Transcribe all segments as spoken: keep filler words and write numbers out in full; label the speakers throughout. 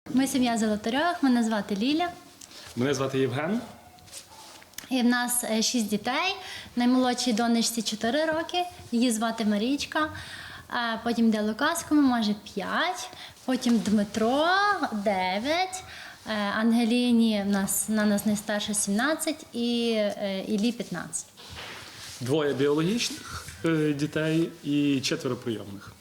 Speaker 1: Ми сім'я Золотарьових, мене звати Ліля.
Speaker 2: Мене звати Євген.
Speaker 1: І в нас е, шість дітей. Наймолодшій донечці чотири роки, її звати Марічка. Е, Потім йде Лукас, кому може п'ять. Потім Дмитро дев'ять. Е, Ангеліні в нас, на нас найстарша сімнадцять і е, Іллі п'ятнадцять.
Speaker 2: Двоє біологічних е, дітей і четверо прийомних.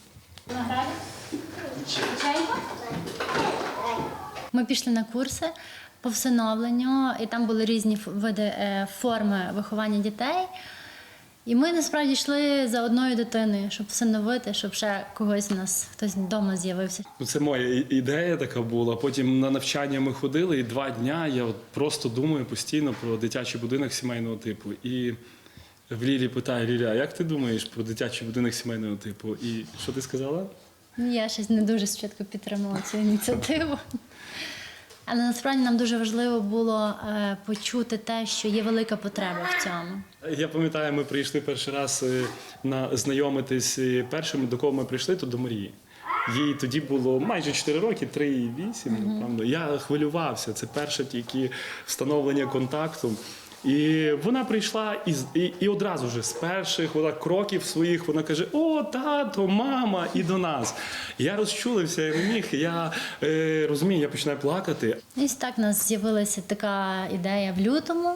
Speaker 1: Ми пішли на курси по всиновленню, і там були різні ф- види е, форми виховання дітей. І ми насправді йшли за одною дитиною, щоб всиновити, щоб ще когось у нас, хтось вдома з'явився.
Speaker 2: Ну, це моя і- ідея така була. Потім на навчання ми ходили, і два дня я от просто думаю постійно про дитячий будинок сімейного типу. І в Лілі питає: Ліля, а як ти думаєш про дитячий будинок сімейного типу? І що ти сказала?
Speaker 1: Ну, я щось не дуже спочатку підтримала цю ініціативу. Але насправді нам дуже важливо було е, почути те, що є велика потреба в цьому.
Speaker 2: Я пам'ятаю, ми прийшли перший раз е, на знайомитись е, першим, до кого ми прийшли, то до Марії. Їй тоді було майже чотири роки, три і вісім, напевно. Я хвилювався, це перше тільки встановлення контакту. І вона прийшла і, з- і, і одразу ж з перших вона, кроків своїх вона каже: о, тато, мама, і до нас. Я розчулився, я не міг, я е, розумію, я починаю плакати.
Speaker 1: І ось так у нас з'явилася така ідея в лютому,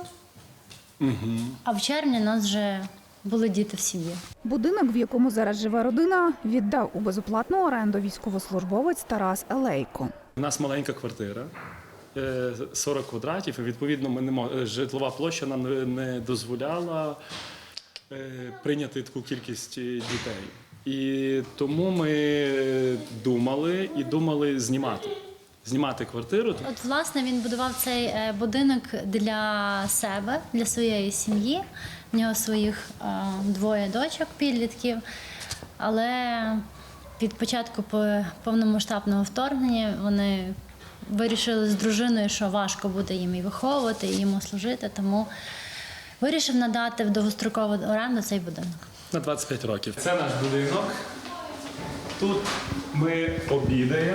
Speaker 1: а в червні у нас вже були діти в сім'ї.
Speaker 3: Будинок, в якому зараз живе родина, віддав у безоплатну оренду військовослужбовець Тарас Елейко.
Speaker 2: У нас маленька квартира, е, сорок квадратів, і відповідно ми не мо- е, житлова площа нам не- не дозволяла е, прийняти таку кількість е, дітей. І тому ми думали і думали знімати. Знімати квартиру.
Speaker 1: От, власне, він будував цей е, будинок для себе, для своєї сім'ї. В нього своїх е, двоє дочок, підлітків. Але від початку по- повномасштабного вторгнення вони вирішили з дружиною, що важко буде їм і виховувати, і йому служити, тому вирішив надати в довгострокову оренду цей будинок.
Speaker 2: На двадцять п'ять років. Це наш будинок. Тут ми обідаємо.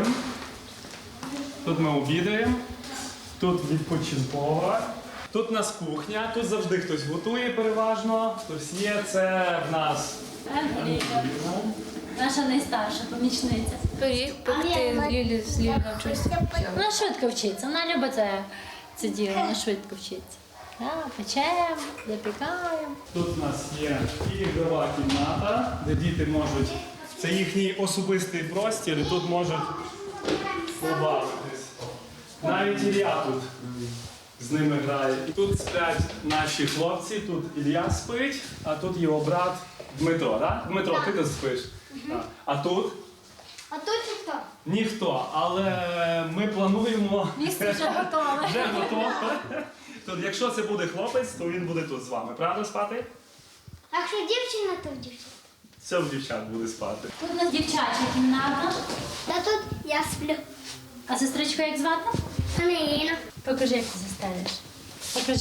Speaker 2: Тут ми обідаємо. Тут відпочинкова. Тут у нас кухня. Тут завжди хтось готує переважно. Хтось є. Це в нас
Speaker 1: Ангеліка, наша найстарша помічниця.
Speaker 4: Пиріг пекти Лілі з Лілі навчуся.
Speaker 1: Вона швидко вчиться, вона любить це, це діло, вона швидко вчиться. Так, печемо, запікаємо.
Speaker 2: Тут у нас є і ігрова кімната, де діти можуть. Це їхній особистий простір, і тут можуть побавитись. Навіть Ілля тут з ними грає. І тут сплять наші хлопці, тут Ілля спить, а тут його брат Дмитро. Так? Дмитро, ти тут спиш? Так. А тут?
Speaker 4: А тут ніхто.
Speaker 2: Ніхто, але ми плануємо.
Speaker 1: Місце вже готове.
Speaker 2: Вже готове. Тут, якщо це буде хлопець, то він буде тут з вами. Правда спати?
Speaker 4: А якщо дівчина, то дівчина.
Speaker 2: Все в дівчат буде спати.
Speaker 1: Тут у нас дівчача кімната.
Speaker 4: Та тут я сплю.
Speaker 1: А сестричку як звати?
Speaker 4: Ангеліна.
Speaker 1: Покажи, як ти застелиш. Покажи.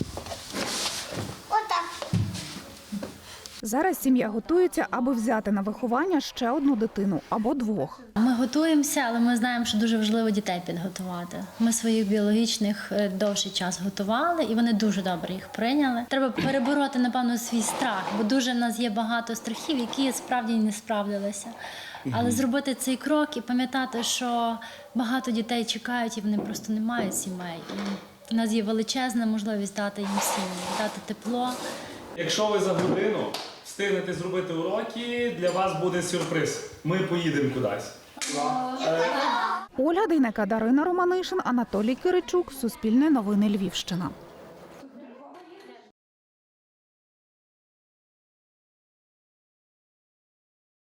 Speaker 4: Отак.
Speaker 3: Зараз сім'я готується, аби взяти на виховання ще одну дитину або двох.
Speaker 1: Ми готуємося, але ми знаємо, що дуже важливо дітей підготувати. Ми своїх біологічних е, довший час готували, і вони дуже добре їх прийняли. Треба перебороти, напевно, свій страх, бо дуже в нас є багато страхів, які справді не справдилися. Але зробити цей крок і пам'ятати, що багато дітей чекають, і вони просто не мають сімей. І в нас є величезна можливість дати їм сім'ї, дати тепло.
Speaker 2: Якщо ви за годину встигнете зробити уроки, для вас буде сюрприз. Ми поїдемо кудись.
Speaker 3: Ольга Дейнека, Дарина Романишин, Анатолій Киричук, Суспільне новини Львівщина.